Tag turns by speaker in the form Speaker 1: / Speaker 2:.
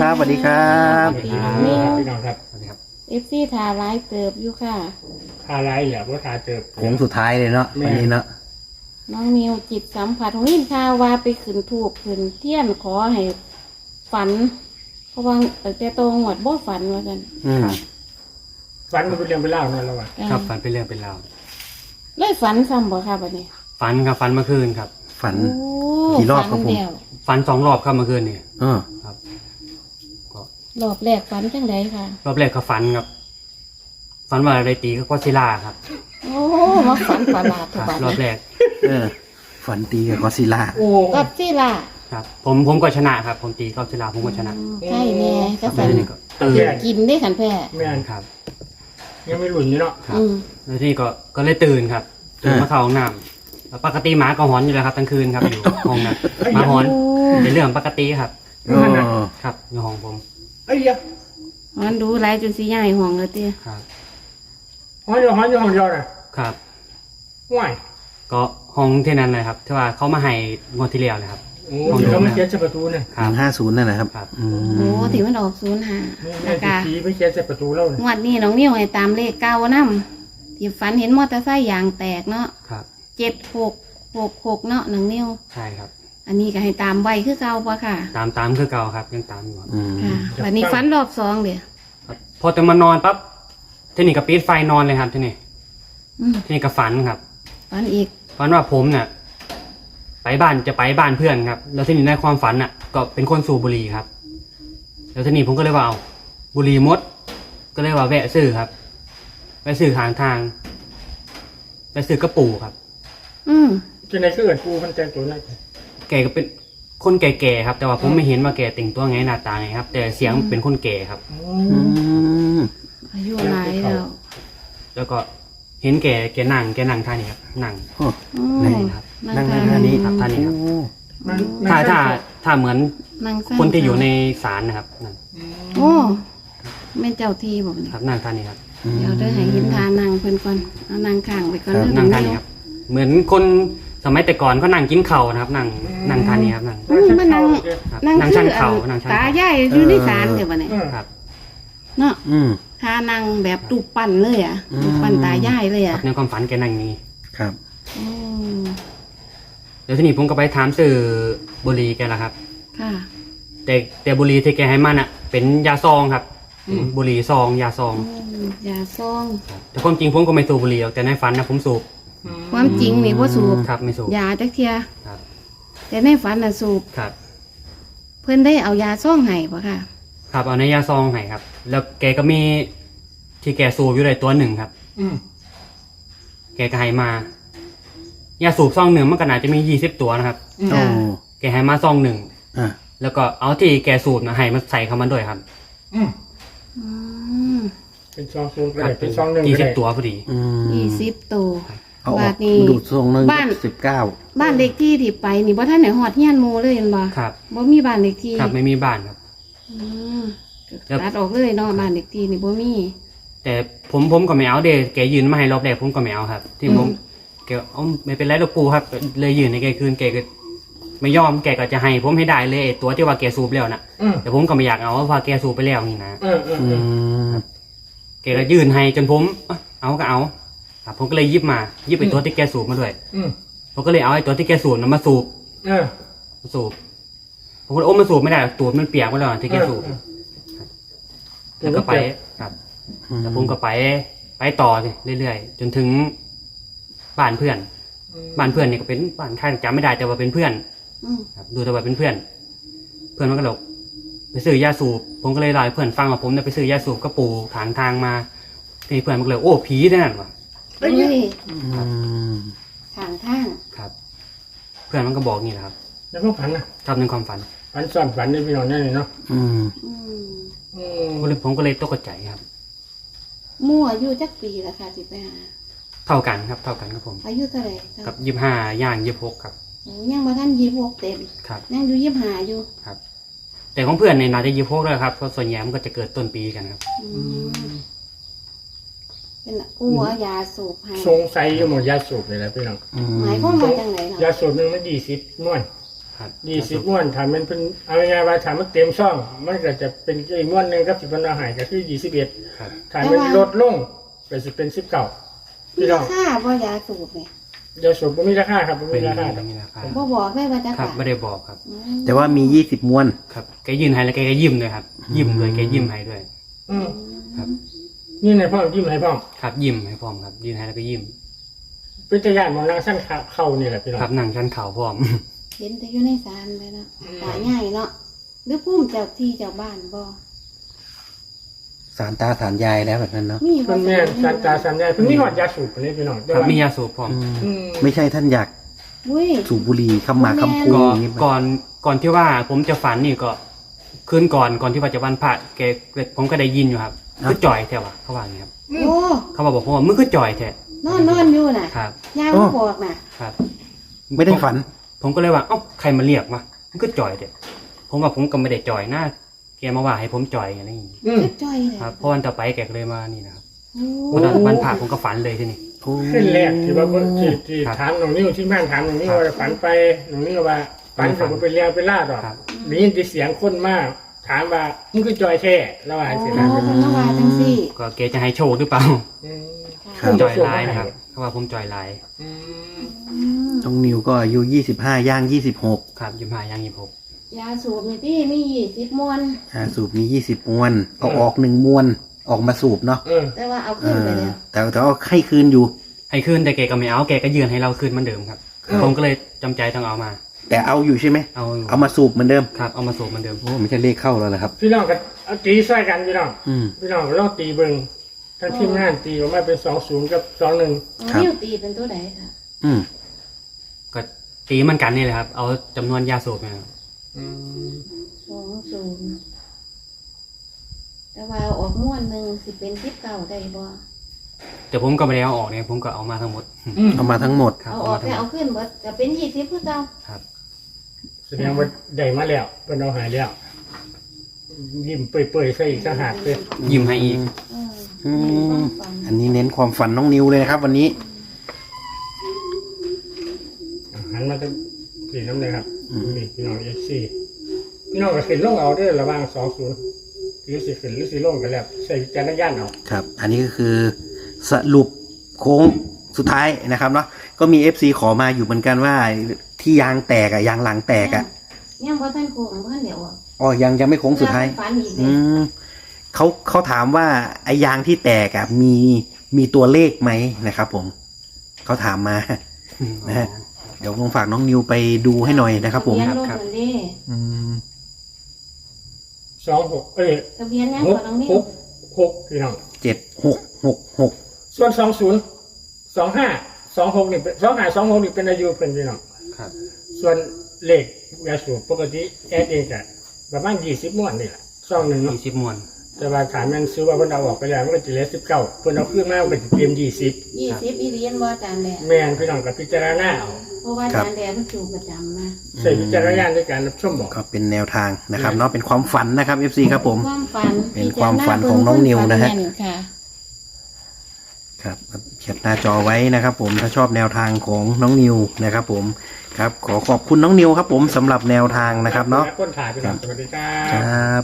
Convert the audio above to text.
Speaker 1: ครับสวัสดีครับ
Speaker 2: สวัสดีครับพี่น้องครับ
Speaker 1: สวัสดีครับ
Speaker 3: FC ทาร้ายเติบอยู่ค่ะ
Speaker 2: ทาไรเหรอว่าทาเจอ
Speaker 1: โค้งสุดท้ายเลยเนาะวันนี้เนาะ
Speaker 3: น้องนิวจิตสัมผัสของยินข่าวว่าไปขึ้นถูกขึ้นเทียนขอให้ฝัน เพราะว่าตั้งแต่โตงวดบ่ฝันว่ากัน
Speaker 2: ฟันมันเป็นเรื่องเป็นเล่านั่นแล้ววะ
Speaker 4: ครับฝันเป็นเรื่องเป็นราว
Speaker 3: เลยฝันซ้ำบ่ค่ะบัดนี้
Speaker 4: ฝันครับฝันเมื่อคืนครับ
Speaker 1: ฝัน
Speaker 3: โอ้
Speaker 1: กี่รอบครับผม
Speaker 3: ฝันแล้ว
Speaker 4: ฝัน2 รอบครับเมื่อคืนนี่ ครับก็
Speaker 3: รอบแรกฝันจังไดค่ะ
Speaker 4: รอบแรกก็ฝันครับฝันว่าอะไรตีก็ซิล่าครับ
Speaker 3: โอ้มาฝันประหลาด
Speaker 4: ค
Speaker 3: ทุก
Speaker 4: รับ
Speaker 3: บัด
Speaker 4: รอบแรก
Speaker 1: ฝันตีกับกอดซิลล่า
Speaker 2: โอ้
Speaker 3: กับที่ล่ะ
Speaker 4: ครับ ผมก็ชนะครับ ผมตีก็ซิล่าผมก็ชนะ
Speaker 3: ใช่แน่ก็
Speaker 4: แล้
Speaker 3: ฝั
Speaker 4: วน ทีนี้ก็ตื่น
Speaker 3: กินได้ขันแพ้
Speaker 2: แม่น
Speaker 4: ครับ
Speaker 2: ยังไม่หลุดนี่เนาะ
Speaker 4: ครับ
Speaker 3: อืม
Speaker 4: แล้วทีนี้ก็เลยตื่นครับตื่นมาเข้าห้องน้ำแล้วปกติหมาก็หอนอยู่แล้วครับทั้งคืนครับอยู่ห้องนั้นหมาหอน
Speaker 3: โอ้
Speaker 4: เป็นเรื่องปกติครับ ครับอยู่ห้องผม
Speaker 2: ไอ้เหี้ย
Speaker 3: มันดูหลายจนสิย้ายห้องเลยติ
Speaker 4: ครับ
Speaker 2: ห้องอยู่ห้องเดียวน่ะ
Speaker 4: ครับ
Speaker 2: ห่วย
Speaker 4: ก็ห้องที่นั้นเลยครับที่ว่าเขามาให้งวดที่แล้วเลยครับ
Speaker 2: โอ้ยเขาไม่เขียนใส่ประตูเนี่ย
Speaker 1: 150นั่นนะครับ
Speaker 4: ครับ
Speaker 3: โอ้ที่มันออก05
Speaker 2: นี่
Speaker 3: แล้
Speaker 2: แม่
Speaker 3: วก็
Speaker 2: ผีไปเขียนใส่ประตูแล้วเนี่ย
Speaker 3: งวดนี้น้องนิวให้ตามเลขเก้านำที่ฝันเห็นมอเตอร์ไซค์ยางแตกเนาะ
Speaker 4: ครับ
Speaker 3: 7666เนาะน้องนิว
Speaker 4: ใช่ครับ
Speaker 3: อันนี้ก็ให้ตามไว้คือเก่าปะค่ะ
Speaker 4: ตามคือเก่าครับยังตามอยู่ครับ
Speaker 3: ค่ะวันนี้ฝันรอบ2เดี๋ยว
Speaker 4: ครับพอจะมานอนปั๊บที่นี่ก็ปิดไฟนอนเลยครับที่นี่
Speaker 3: อืม
Speaker 4: ที่นี่ก็ฝันครับ
Speaker 3: ฝันอีก
Speaker 4: ฝันว่าผมเนี่ยไปบ้านเพื่อนครับ แล้วที่นี่ในความฝันน่ะ ก็เป็นคนสูบบุหรี่ครับ แล้วที่นี่ผมก็เลยว่าเอาบุหรี่มด ก็เลยว่าแวะซื้อครับแวะซื้อทางแวะซื้อกระปูครับ
Speaker 3: อืม
Speaker 2: ที่ไหนก็เอิดปูมันแต่งตัวนั่น
Speaker 4: แกก็เป็นคนแก่ๆครับ แต่ว่าผมไม่เห็นว่าแกแต่งตัวไงหน้าตาไงครับ แต่เสียงเป็นคนแก่ครับ
Speaker 3: อายุหลายแล้ว
Speaker 4: แล้วก็เห็นแกนั่งท่านี้ครับนั่ง
Speaker 3: อืม
Speaker 1: นั่ง
Speaker 4: ครับ
Speaker 1: นั่ง
Speaker 3: ท
Speaker 1: ท่านี้
Speaker 4: ครับท่านี้ครับ
Speaker 2: นั่ง
Speaker 4: ถ้าเหมือน
Speaker 3: นั่งสั้
Speaker 4: คนที่อยู่ในศาลนะครับนั่น
Speaker 3: โอ้แม่เจ้าที่บอกนี่
Speaker 4: ครับนั่งท่านี้ครับ
Speaker 3: เดี๋ยวได้ให้เห็นทานั่งเพิ่นก่อนเอานั่งข้างไปก่อน
Speaker 1: ครับ
Speaker 3: เด้อ
Speaker 4: นั่งท่านี้ครับ เหมือนคนสมัยแต่ก่อนเขานั่งกินเข่าวนะครับ นั่งท่านี้ครับนั่ง
Speaker 3: อืมมานั่ง
Speaker 4: ครับ
Speaker 3: นั่ง
Speaker 4: นั่ง
Speaker 3: คื
Speaker 4: ชัน
Speaker 3: ออั
Speaker 4: เข่าน นั่งชัน
Speaker 3: ตา
Speaker 4: เข่า
Speaker 3: ใหญ่อยู่ในศาลเดี๋ยวบัดนี้
Speaker 4: ครับ
Speaker 3: เนาะ
Speaker 1: อืม
Speaker 3: ทานั่งแบบตูปปั้นเลยอ่ะ
Speaker 1: อืม
Speaker 3: ตูปปั้นตาใหญ่เลยอ่ะ
Speaker 4: ในความฝันแกนั่งอย่างนี้
Speaker 1: ครับ
Speaker 3: อืม
Speaker 4: แล้วทีนี้ผมก็ไปถามสื่อบุหรี่แกละครับ
Speaker 3: ค่ะ
Speaker 4: แต่บุหรี่ที่แกให้มันอ่ะ เป็นยาซองครับบุหรี่ซองยาซอง
Speaker 3: ยาซอง
Speaker 4: แต่ความจริงผมก็ไม่สูบบุหรี่หรอกแต่ในฝันนะผมสูบ
Speaker 3: ความจริงนี่บ่สูบ
Speaker 4: ครับไม่สูบ
Speaker 3: ยาจักเทีย
Speaker 4: ครับ
Speaker 3: แต่ในฝันน่ะสูบ
Speaker 4: ครับ
Speaker 3: เพิ่นได้เอายาซ่องให้ปะค่ะ
Speaker 4: ครับเอาในยาซองให้ครับ แล้วแกก็มีที่แกสูบอยู่ในตัวหนึ่งครับ แกก็ให้มายาสูบซองหนึ่งมันก็น่าจะมี20 ตัวนะครับ
Speaker 1: โอ้
Speaker 4: แกให้มาซองหนึ่ง
Speaker 1: อ่ะ
Speaker 4: แล้วก็เอาที่แกสูบนะให้มาใส่เข้ามาด้วยครับ
Speaker 3: อืม
Speaker 2: เป็นซองซูนก็
Speaker 4: ครับ
Speaker 2: ได้เป็นซองหนึ่ง
Speaker 4: ยี่
Speaker 2: ก็
Speaker 4: สิบ
Speaker 2: ได้
Speaker 4: ตัวพอดี
Speaker 3: 20ตัว
Speaker 1: เอาอ
Speaker 3: บา
Speaker 1: อ
Speaker 3: ท
Speaker 1: ก
Speaker 3: นี้
Speaker 1: ดูดทรงหนึ่ง
Speaker 3: บ้าน
Speaker 1: 19
Speaker 3: บ้านเด็กที่ที่ไปนี่บ่ท่านไหนฮอดเฮียนหมู่เลยเห็นบ่
Speaker 4: ครับ
Speaker 3: บ่มีบ้านเด็กที่
Speaker 4: ครับไม่มีบ้านครับ
Speaker 3: อืมตัดออกเลยเนาะบ้านเด็กที่นี่บ่มี
Speaker 4: แต่ผมก็ไม่เอาเดะแกยืนมาให้รอบแรกผมก็ไม่เอาครับ ที่ผมแกเอาไม่เป็นไรหรอกปูครับ เลยยืนในแกคืนแกก็ไม่ยอมแกก็จะให้ผมให้ได้เลยไอ้ตัวที่ว่าแกสูบแล้วนะแต่ผมก็ไม่อยากเอาเพราะว่าแกสูบไปแล้วนี่นะ
Speaker 1: อืม
Speaker 4: แกก็ยืนให้จนผมเอาก็เอาครับผมก็เลยหยิบไอ้ตัวที่แกสูบมาด้วยผมก็เลยเอาไอ้ตัวที่แกสูบนั้นมาสูบผมก็เลยมันสูบไม่ได้หรอกตัวมันเปียกไปแล้วที่แกสูบแล้วก็ไปครับแล้วผมก็ไปต่อเรื่อยๆจนถึงบ้านเพื่อนเนี่ยก็เป็นบ้านใครจำไม่ได้แต่ว่าเป็นเพื่อน
Speaker 3: อืม
Speaker 4: ครับดูแต่ว่าเป็นเพื่อน เพื่อนมันก็หลกไปซื้อยาสูบผมก็เลยเล่าให้เพื่อนฟังว่าผมเนี่ยไปซื้อยาสูบก็ปูถางทางมาทีนี้เพื่อนมันก็เลยโอ้ผีได้นั่นวะ
Speaker 3: เฮ้ย
Speaker 1: อืม
Speaker 3: ทางทาง
Speaker 4: ครับ เพื่อนมันก็บอกนี่แหละครับ
Speaker 2: แล้วก็ฝันนะครับ
Speaker 4: ในความฝัน
Speaker 2: ฝันซ่อนฝันในพี่น้องนั่นเลยเนาะ
Speaker 1: อืม
Speaker 3: อืม
Speaker 4: ผมก็เลยตกใจครับ
Speaker 3: มั่วอายุจักปีละค่ะสิไปหา
Speaker 4: เท่ากันครับผม
Speaker 3: อายุเท่าไหร่
Speaker 4: กับ25ย่าง26ครับ
Speaker 3: โอ้ยังบ่ทัน26เต็ม
Speaker 4: ครับ
Speaker 3: ยังอยู่25อยู่
Speaker 4: ครับ แต่ของเพื่อนในน่าจะ26แล้วครับเพราะส่วนใหญ่มันก็จะเกิดต้นปีกันครับ
Speaker 3: อืมเป็นกูเอายาสูบให้
Speaker 2: สงสัยอยู่หมดยาสูบเลยแหละพี่น้อง
Speaker 1: อืม
Speaker 3: หมายความว่าจังไหนเนาะ
Speaker 2: ยาสูบหนึ่งมัน20 หน่วย
Speaker 4: คครับ
Speaker 2: 20ม้วนถ้ามันเป็นเอาง่ายๆว่าถ้ามันเต็มช่อง มันก็จะเป็นอีกม้วนหนึงครับที่เพิ่นเอาให้ก็คือ21
Speaker 4: ครับ
Speaker 2: ถ้ามันลดลงก็สิเป็น19
Speaker 3: มี
Speaker 2: พี่น้
Speaker 3: รา
Speaker 2: อง
Speaker 3: คาบ่ยาสูบเนี่ย
Speaker 2: เดี๋ยวสูบบ่มีราคาครับบ่
Speaker 4: เป็
Speaker 2: มี
Speaker 4: น
Speaker 2: ราคาครับ
Speaker 4: มีราคา
Speaker 3: บ่บอกได้ว่าจะ
Speaker 4: ครับ
Speaker 3: ขาย
Speaker 4: ไม่ได้บอกครับ
Speaker 1: แต่ว่ามี20ม้วน
Speaker 4: ครับแกยืนให้แล้วแกก็ยิ้มด้วยครับ ยิ้มเลยแกยิ้มให้ด้วย
Speaker 2: อืม
Speaker 4: ครับ
Speaker 2: นี่ในพ่อยิ้มให้พ่อ
Speaker 4: ครับยิ้มให้พร้อมครับยืนให้แล้วก็ยิ้ม
Speaker 2: เป็นตะยานมองนางสั้นเข้านี่แหละพี่น้อง
Speaker 4: ครับนั่งชั้นเข่าพร้อม
Speaker 3: เห็นแต่อยู่ในศาลเลยเนาะตาใหญ่เนาะหรือพุ่มเจ้าที่เจ้าบ้านบ่
Speaker 1: สารตาสารยายแล้วแบบนั้นเนาะ
Speaker 3: มีบ่
Speaker 2: เพิ่นแม่นสันตาสัญญาเพิ่นมีหอดยาสูบนี่พี่น้องแต่
Speaker 4: ครับ
Speaker 2: ว่า
Speaker 4: มียาสูบพร้อม
Speaker 1: อืมไม่ใช่ท่านอยาก
Speaker 3: อุ้ย
Speaker 1: สูบบุหรี่คำหมากคำพู
Speaker 4: ก็
Speaker 1: อย่างนี้
Speaker 4: ก่อนที่ว่าผมจะฝันนี่ก็คืนก่อนที่ว่าจะวันพระแกผมก็ได้ยินอยู่ครับคือจ่อยแท้วะเขาว่าอย่างนี้ครับ
Speaker 3: โอ้
Speaker 4: เขาบอกผมว่ามึงคือจ่อยแท้
Speaker 3: นอนอยู่น่ะ
Speaker 4: ครับ
Speaker 3: ยายมาบอกน่ะ
Speaker 4: ครับ
Speaker 1: ไม่ได้ฝัน
Speaker 4: ผมก็เลยว่าเอ้าใครมาเรียกวะมึงคือจ่อยแท้ผมว่าผมก็ไม่ได้จ่อยนะแกมาว่าให้ผมจ่อยอะไรอย่างนี้
Speaker 2: อืม
Speaker 3: คือจ้อยเลย
Speaker 4: ครับเพราะวันต่อไปแกก็เลยมานี่นะครับ
Speaker 3: โอ้
Speaker 4: วันพระผมก็ฝันเลยที่นี่
Speaker 2: ขึ้นแรกที่ว่าเพิ่นที่
Speaker 4: ครับ
Speaker 2: ถามน้องนิ้วที่แม่นถามน้องนิ้วว่าฝันไปน้องนิ้วว่าฝันก็บ่เป็นเรื่องเป็นราวดอก
Speaker 4: ครับ
Speaker 2: ได้ยินแต่เสียงคนมาถามว่ามึงคือจอยแท้แล้วว่า
Speaker 3: โอ้
Speaker 2: สิ
Speaker 3: เพิ่
Speaker 2: นะ
Speaker 3: นมาว่าจังซี่
Speaker 4: ก็แกจะให้โชคหรือเปล่า
Speaker 2: อืม
Speaker 1: ครับ
Speaker 4: จ่อยลายนะครับเขาว่าผมจ่อยลาย
Speaker 2: อืม
Speaker 3: อืม
Speaker 1: น้องนิวก็อายุ25ย่าง26
Speaker 4: ครับยิ้มหายังยิ้มหก
Speaker 3: ยาสูบนี่ที่มี20มวน
Speaker 1: สูบมี20ม้วนเอาออก1ม้วนออกมาสูบเนาะ
Speaker 2: เออ
Speaker 3: แต่ว่าเอาขึ้นไปแล้ว
Speaker 1: แต่ว่าให้คืนอยู่
Speaker 4: ให้คืนแต่แกก็ไม่เอาแกก็ยืนให้เราคืนเหมือนเดิมครับ ผมก็เลยจำใจต้องเอามา
Speaker 1: แต่เอาอยู่ใช่ไหม
Speaker 4: เอาอยู่
Speaker 1: เอามาสูบเหมือนเดิม
Speaker 4: ครับเอามาสูบเหมือนเดิม
Speaker 1: โอ้ไม่ใช่เลขเข้าแล้วนะครับ
Speaker 2: พี่น้องก็เอาตีใส่กันพี่น้อง
Speaker 1: อืม
Speaker 2: พี่น้องก็ลองตีเบิ่งทั้งทีมงานตีออกมาเป็น20กับ21
Speaker 3: อ๋อ
Speaker 1: ครับ
Speaker 3: นิ้วตีเป็นตัวใดค่ะ
Speaker 1: อืม
Speaker 4: ก็ตีเหมันกันนี่แหละครับ เอาจำนวนยาสูบเนี่ยครับ
Speaker 2: อืม
Speaker 3: 20แต่ว่าเอาออกม้วนหนึงสิเป็น19ได้บ่
Speaker 4: แต่ผมก็ไม่ได้เอาออกเนี่ยผมก็เอามาทั้งหมด
Speaker 1: เอามาทั้งหมด
Speaker 4: ครับ
Speaker 3: เอา
Speaker 4: เอา
Speaker 3: ออ
Speaker 4: มาก ทั้ง
Speaker 3: แต่
Speaker 4: หม
Speaker 3: เอา
Speaker 4: ด
Speaker 3: ขึ้นเบิดก็เป็น20คือเก่า
Speaker 4: ครับ
Speaker 2: แสดงว่าได้มาแล้วเพิ่นเอาหายแล้วยิ้มเปื่อยๆใส่อีกต่างหากเลย
Speaker 4: ยิ้มให้อีก
Speaker 3: เออ
Speaker 1: อื
Speaker 3: ในความ
Speaker 1: ม
Speaker 3: ฝัน
Speaker 1: อันนี้เน้นความฝันน้องนิวเลยนะครับ วันนี้
Speaker 2: หันมาทางสีน้ำเลยครับ
Speaker 1: อืม
Speaker 2: นี่พี่น้องFC พี่น้องก็ขึ้นลงเอาเด้อระหว่าง20หรือสิขึ้นหรือสิลงก็แล้วใส่วิจารณญาณเอา
Speaker 1: ครับ อันนี้ก็คือสรุปโค้งสุดท้ายนะครับเนาะ ก็มี FC ขอมาอยู่เหมือนกันว่าที่ยางแตกอะยางหลังแตกอะ
Speaker 3: ยังบ่ทันโค้งบ่ทันเดี๋ยวอ่ะ
Speaker 1: อ๋อยังไม่โค้งสุดท้าย
Speaker 3: ฝันอีก
Speaker 1: อื
Speaker 3: เลย
Speaker 1: มเขาถามว่าไอ้ยางที่แตกอะมีตัวเลขไหมนะครับ ผมเขาถามมา นะฮะ เดี๋ยวลองฝากน้องนิวไปดูให้หน่อยนะครับ ผม
Speaker 3: ทะเบียนรถ
Speaker 4: ครับ
Speaker 3: นั่นเด้
Speaker 1: อืม
Speaker 2: 26
Speaker 3: ทะเบียนยังของน้องนิ้ว
Speaker 2: 6พี่น้อง
Speaker 1: 7666
Speaker 2: ส่วน20 25 26นี่เป็น25 26นี่เป็นอายุเพิ่นพี่น้อง
Speaker 4: ครับ
Speaker 2: ส่วนเลขยาสูบปกติแอดเองก็ประมาณ20ม้วนนี่แหละซองหนึงเนาะ
Speaker 4: 20มวน
Speaker 2: แต่ว่าถามแม่นซื้อว่าเพิ่นเอาออกไปแล้วมันก็จะเหลือ19เพิ่นเอาขึ้นมามันก็จะเตรียม20
Speaker 3: 20อีเรียนบ่อาจารย์แดง
Speaker 2: แม่นพี่น้องก็พิจารณาเอา
Speaker 3: เพราะว่าอาจารย์แดงเพิ่นสูบประจำนะ
Speaker 2: ใส่วิจารณญาณในการรับชมบอก
Speaker 1: ก็เป็นแนวทางนะครับเนาะเป็นความฝันนะครับ FC ครับผม
Speaker 3: ความฝัน
Speaker 1: เป็นความฝันของน้องนิวนะฮะ
Speaker 3: พิจารณาเบิ่งคนฝัแม่ค่ะ
Speaker 1: ครับเขียนหน้าจอไว้นะครับ ผมถ้าชอบแนวทางของน้องนิวนะครับ ผมครับขอขอบคุณน้องนิวครับ ผมสำหรับแนวทางนะครับเนาะ
Speaker 2: คนถ่ายไปก่อนสวัสดีครับ
Speaker 1: ครับ